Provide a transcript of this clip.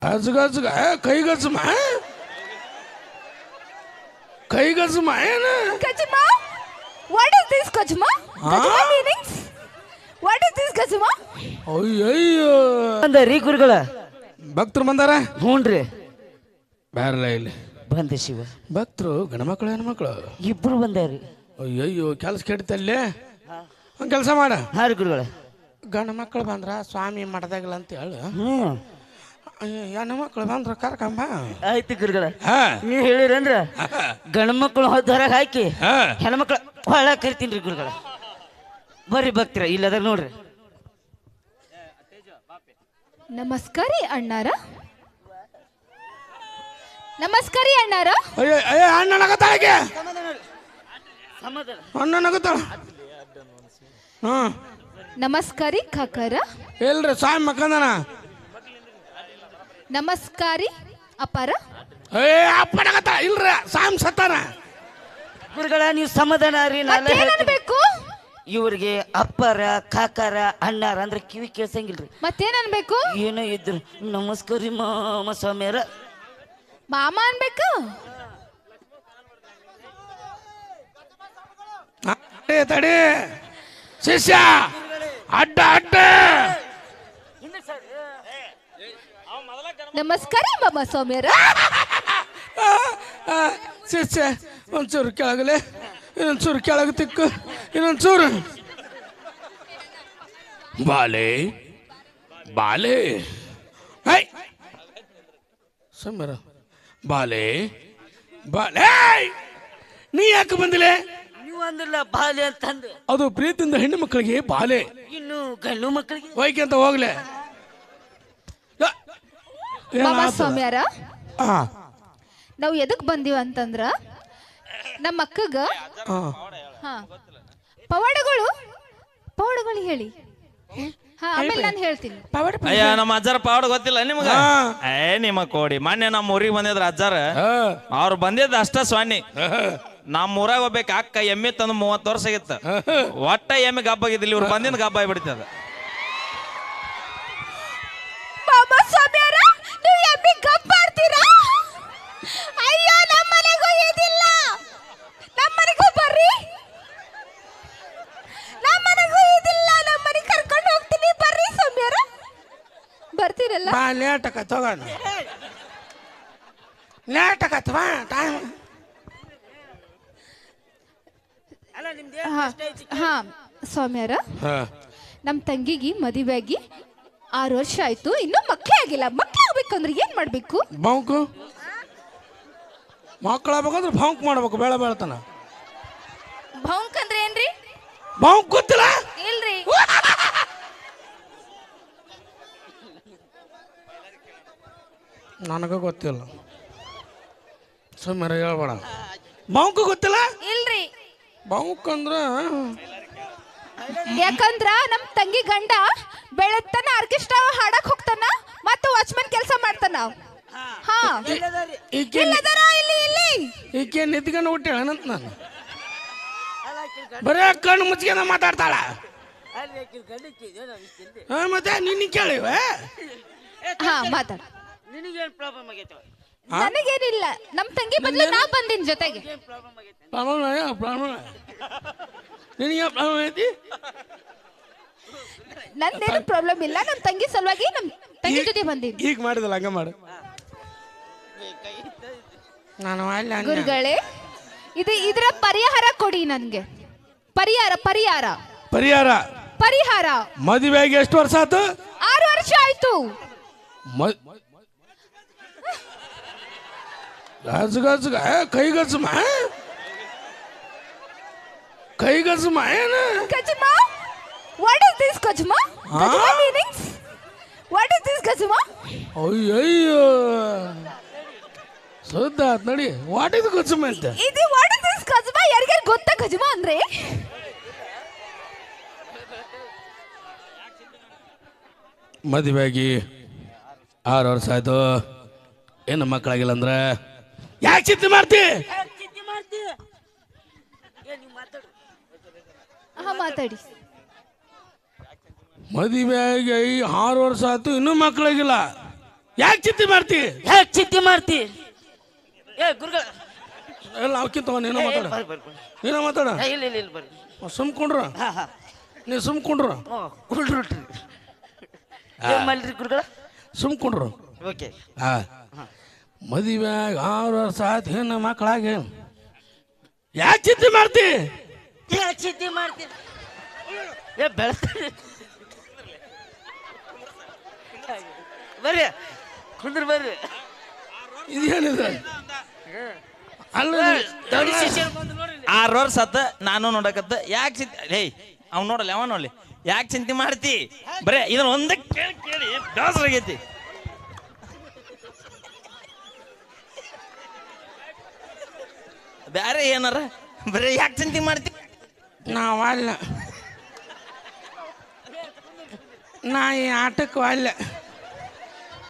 ಅಜ್ಗಜ್ಗ ಕೈಗಜ್ಮ ಕೈಗಜ್ಮ ಏನ Kajima? What is this Kajima? Kajima meanings? What is this Kajima? ಅಯ್ಯಯ್ಯೋ ಬಂದಾರಿ ಗುರುಗಳ ಭಕ್ತರು ಬಂದಾರ ಹ್ಞೂನ್ರಿ ಬ್ಯಾರಲ್ಲ ಇಲ್ಲಿ ಬಂದೆ ಶಿವ ಭಕ್ತರು ಗಣಮಕ್ಳು ಹೆಣ್ಮಕ್ಳು ಇಬ್ರು ಬಂದಾರಿ ಅಯ್ಯಯ್ಯೋ ಕೆಲಸ ಕೆಡ್ತಲ್ಲೇ ಒಂದು ಕೆಲಸ ಮಾಡ ಹಾ ರೀ ಗುರುಗಳ ಗಂಡು ಮಕ್ಕಳು ಬಂದ್ರ ಸ್ವಾಮಿ ಮಠದಾಗಲ್ಲ ಅಂತ ಹೇಳು ಹೆಣ್ಣು ಮಕ್ಕಳು ಬಂದ್ರ ಕರ್ಕಂಬ ಆಯ್ತು ಗುರುಗಳ ಹಾ ನೀವು ಹೇಳಿರಂದ್ರ ಗಂಡು ಮಕ್ಕಳು ಹೊರಗೆ ಹಾಕಿ ಹಾ ಹೆಣ್ಮಕ್ಳು ಹೊಳ ಕರಿತೀನಿ ರೀ ಗುರುಗಳ ಬರ್ರಿ ಭಕ್ತಿರ ಇಲ್ಲದ ನೋಡ್ರಿ ನಮಸ್ಕಾರಿ ಅಣ್ಣಾರ ನಮಸ್ಕಾರಿ ಅಣ್ಣಾರ ಅಯ್ಯ ಅಯ್ಯ ಅಣ್ಣನಾಗತ್ತಾಳಗೆ ಸಮಾಧಾನ ಅಣ್ಣನಾಗತ್ತಾಳ ಹ್ಞೂ ನಮಸ್ಕಾರಿ ಕಾಕರ ಇಲ್ರಿ ಸ್ವಾಮಿ ಮಕ್ಕಂದನ ನಮಸ್ಕಾರಿ ಅಪಾರ ಏ ಅಪ್ಪನಾಗತ್ತಾಳ ಇಲ್ರಿ ಸ್ವಾಮಿ ಸತ್ತಾನ ಗುರುಗಳ ನೀವು ಸಮಾಧಾನ ರೀ ನಾಳೆ ಮತ್ತೇನನ್ಬೇಕು ಇವ್ರಿಗೆ ಅಪ್ಪರ ಕಾಕಾರ ಅಣ್ಣಾರ ಅಂದ್ರೆ ಕಿವಿ ಕೇಳ್ಸಂಗಿಲ್ರಿ ಮತ್ತೇನನ್ಬೇಕು ಏನೋ ಇದ್ರು ನಮಸ್ಕಾರ ಮಾಮ ಸ್ವಾಮಿಯರ ಮಾಮ ಅನ್ಬೇಕು ತಡಿ ತಡಿ ಶಿಷ್ಯ ಅಡ್ಡ ಅಡ್ಡ ನಮಸ್ಕಾರಿ ಮಾಮ ಸ್ವಾಮಿಯರ ಶಿಷ್ಯ ಒಂಚೂರು ಕೆಳಗಲೆ ಇನ್ನೊಂಚೂರು ಕೆಳಗೆ ತಿಕ್ಕು ಇನ್ನೊಂಚೂರು ಬಾಲೆ ಬಾಲೆ ಹೈ ಸಮರ ಬಾಲೆ ಬಾಲೆ ನೀ ಯಾಕೆ ಬಂದಿಲ್ಲ ನೀವು ಅಂದ್ರಲ್ಲ ಬಾಲ್ಯ ಅಂತಂದು ಅದು ಪ್ರೀತಿಯಿಂದ ಹೆಣ್ಣು ಮಕ್ಕಳಿಗೆ ಬಾಲೆ ಇನ್ನು ಗಂಡು ಮಕ್ಕಳಿಗೆ ಹೋಯ್ಕೆ ಅಂತ ಹೋಗ್ಲೆ ಮಾಮ ಸ್ವಾಮಿಯರ ಹಾ ನಾವು ಎದಕ್ ಬಂದೀವ ಅಂತಂದ್ರ ನಮ್ಮ ಅಕ್ಕಗ ಹಾ ಪವಾಡಗಳು ಪವಾಡಗಳು ಹೇಳಿ ಹಾ ಆಮೇಲೆ ನಾನು ಹೇಳ್ತೀನಿ ಅಯ್ಯ ನಮ್ಮ ಅಜ್ಜಾರ ಪಾವಡ ಗೊತ್ತಿಲ್ಲ ನಿಮಗ ನಿಮ್ಮ ಕೋಡಿ ಮೊನ್ನೆ ನಮ್ಮ ಊರಿಗೆ ಬಂದಿದ್ರ ಅಜ್ಜಾರ ಅವ್ರು ಬಂದಿದ್ದ ಅಷ್ಟ ಸ್ವಾಮಿ ನಮ್ಮ ಊರಾಗ ಹೋಗ್ಬೇಕು ಅಕ್ಕ ಎಮ್ಮೆ ತಂದು 30 ವರ್ಷ ಆಗಿತ್ತ ಒಟ್ಟ ಎಮ್ಮೆ ಗಬ್ಬಾಗಿದ್ದಿಲ್ಲ ಇವ್ರು ಬಂದಿಂದ ಗಬ್ಬ ಆಗಿಬಿಡ್ತದ ಮಾಮ ಸ್ವಾಮಿಯರ ನೀವು ಎಮ್ಮಿ ಗಪ್ಪಾಡ್ತೀರಾ ಅಯ್ಯೋ ನಮ್ಮ ಮನೆಗೂ ಇದಿಲ್ಲ ನಮ್ಮ ಮನೆಗೂ ಬರ್ರಿ ನಮ್ಮ ಮನೆಗೂ ಇದಿಲ್ಲ ನಮ್ಮ ಮನೆಗೆ ಕರ್ಕೊಂಡು ಹೋಗ್ತೀನಿ ಬರ್ರಿ ಸ್ವಾಮಿಯರ ಬರ್ತೀರಲ್ಲ ಬಾ ಲೇಟಕ ತಗೋಣ ಲೇಟಕತ್ ಬಾ ಟೈಮ್ ಹಾ ಸ್ವಾಮಿಯರ ನಮ್ಮ ತಂಗಿಗೆ ಮದುವೆ ಆಗಿ 6 ವರ್ಷ ಆಯ್ತು ಇನ್ನೂ ಮಕ್ಕಳೇ ಆಗಿಲ್ಲ ಮಕ್ಕಳು ಆಗ್ಬೇಕಂದ್ರೆ ಏನ್ ಮಾಡ್ಬೇಕು ಬಾಂಕು ಮಕ್ಕಳಾಗ್ಬೇಕಂದ್ರೆ ಬಾಂಕ್ ಮಾಡ್ಬೇಕು ಬೇಡ ಬೇಳತನ ಭೌಂಕ್ ಅಂದ್ರೆ ಏನ್ರಿ ಬಾಂಕ್ ಗೊತ್ತಿಲ್ಲ ಇಲ್ರಿ ನನಗ ಗೊತ್ತಿಲ್ಲ ಸುಮ್ಮನೆ ಹೇಳ್ಬೇಡ ಬಾಂಕು ಗೊತ್ತಿಲ್ಲ ಇಲ್ರಿ ಬಾಂಕ್ ಅಂದ್ರ ಯಾಕಂದ್ರ ನಮ್ ತಂಗಿ ಗಂಡ ಬೆಳತ್ತನ ಆರ್ಕೆಸ್ಟ್ರಾ ಹಾಡಕ್ ಹೋಗ್ತಾನ ಮತ್ತೆ ವಾಚ್ಮನ್ ಕೆಲಸ ಮಾಡ್ತಾನ ಹಾ ಈಕೆ ಇಲ್ಲದರ ಇಲ್ಲಿ ಇಲ್ಲಿ ಈಕೆ ನಿಂತ್ಕೊಂಡು ಹುಟ್ಟೇಳಂತ ನಾನು ಬರೇ ಕಣ್ಣು ಮುಚ್ಚಿಗೆ ಮಾತಾಡ್ತಾಳ ಮತ್ತೆ ನಿನ್ನ ಕೇಳಿವ ಹಾ ಮಾತಾಡ ನಿನಗೇನು ಪ್ರಾಬ್ಲಮ್ ಆಗೈತೆ ನನಗೇನಿಲ್ಲ ನಮ್ ತಂಗಿ ಬದಲು ನಾ ಬಂದಿನ ಜೊತೆಗೆ ಪ್ರಾಬ್ಲಮ್ ನಿನಗೆ ಪ್ರಾಬ್ಲಮ್ ಐತಿ ನಂದೇನು ಪ್ರಾಬ್ಲಮ್ ಇಲ್ಲ ನಮ್ ತಂಗಿ ಸಲುವಾಗಿ ನಮ್ ತಂಗಿ ಜೊತೆ ಬಂದೀನಿ ಈಗ ಮಾಡಿದಲ್ಲ ಹಂಗ ಮಾಡು ನಾನು ಗುರುಗಳೇ ಇದರ ಪರಿಹಾರ ಕೊಡಿ ನನ್ಗೆ ಪರಿಹಾರ ಪರಿಹಾರ ಪರಿಹಾರ ಪರಿಹಾರ ಮದುವೆಗೆ ಎಷ್ಟು ವರ್ಷ ಆಯ್ತು 6 ವರ್ಷ ಆಯ್ತು ಗಜ್ಗಜ್ಗ ಕೈಗಜ್ಮ ಕೈಗಜ್ಮ ಏನ ಕಜ್ಮ ವಾಟ್ ಇಸ್ ದಿಸ್ ಕಜ್ಮ ಕಜ್ಮ ಮೀನಿಂಗ್ಸ್ ವಾಟ್ ಇಸ್ ದಿಸ್ ಕಜ್ಮ ಅಯ್ಯಯ್ಯೋ ಸುದ್ದ ನೋಡಿ ವಾಟ್ ಇಸ್ ಗಜ್ಮ ಅಂತ ಇದು ವಾಟ್ ಇಸ್ ದಿಸ್ ಕಜ್ಮ ಯಾರಿಗಾರು ಗೊತ್ತಾ ಕಜ್ಮ ಅಂದ್ರೆ ಮದುವೆಯಾಗಿ 6 ವರ್ಷ ಆಯ್ತು ಏನು ಮಕ್ಕಳಾಗಿಲ್ಲ ಅಂದ್ರೆ ಯಾಕೆ ಚಿಂತೆ ಮಾಡ್ತಿ ಹಾ ಮಾತಾಡಿ ಮದುವೆಯಾಗಿ 6 ವರ್ಷ ಆಯ್ತು ಇನ್ನೂ ಮಕ್ಕಳಾಗಿಲ್ಲ ಯಾಕೆ ಚಿಂತೆ ಮಾಡ್ತಿ? ಯಾಕೆ ಚಿಂತೆ ಮಾಡ್ತಿ? ಏ ಗುರುಗಳ ಎಲ್ಲ ಅವಕ್ಕಿಂತ ನೀನು ಮಾತಾಡ, ಬರ್ರಿ ಬರ್ರಿ ಬರ್ರಿ. ನೀನು ಮಾತಾಡ. ಇಲ್ಲ ಇಲ್ಲ ಇಲ್ಲ ಬರ್ರಿ. ಸುಮ್ಕೊಂಡ್ರು, ಹಾ ಹಾ ನೀ ಸುಮ್ಕೊಂಡ್ರು, ಕುಳ್ರಿ ಏನ್ ಮಾಡ್ರಿ ಗುರುಗಳ? ಸುಮ್ಕೊಂಡ್ರು. ಓಕೆ. ಹಾ, ಮದುವೆ 6 ವರ್ಷ ಆಯ್ತು, ಹೆಣ್ಣು ಮಕ್ಕಳಾಗಿ ಯಾಕೆ ಚಿಂತೆ ಮಾಡ್ತಿ? ಯಾಕೆ ಚಿಂತೆ ಮಾಡ್ತಿ? ಏ ಬೆಳೆಸ್ತಾರೆ ಬರ್ರಿ ಕುಂದ್ರ ಬರ್ರಿ. ಇದೇನಿದೆ? ಅಲ್ಲ 6 ವರ್ಷ ಆತ ನಾನು ನೋಡಕತ್ತ. ಯಾಕೆ ಚಿಂತೆ? ಹೇ ಅವ್ನು ನೋಡಲ್ಲ, ಅವ ನೋಡ್ಲಿ. ಯಾಕೆ ಚಿಂತೆ ಮಾಡ್ತಿ? ಬರೇ ಇದನ್ನ ಒಂದೇ ಕೇಳಿ ಕೇಳಿ ಬೇಸರ ಆಗೈತಿ. ಬ್ಯಾರೆ ಏನಾರ ಬರೇ ಯಾಕೆ ಚಿಂತೆ ಮಾಡ್ತಿ? ನಾವಲ್ಲ, ನಾ ಈ ಆಟಕ್ಕೆ ಅಲ್ಲ.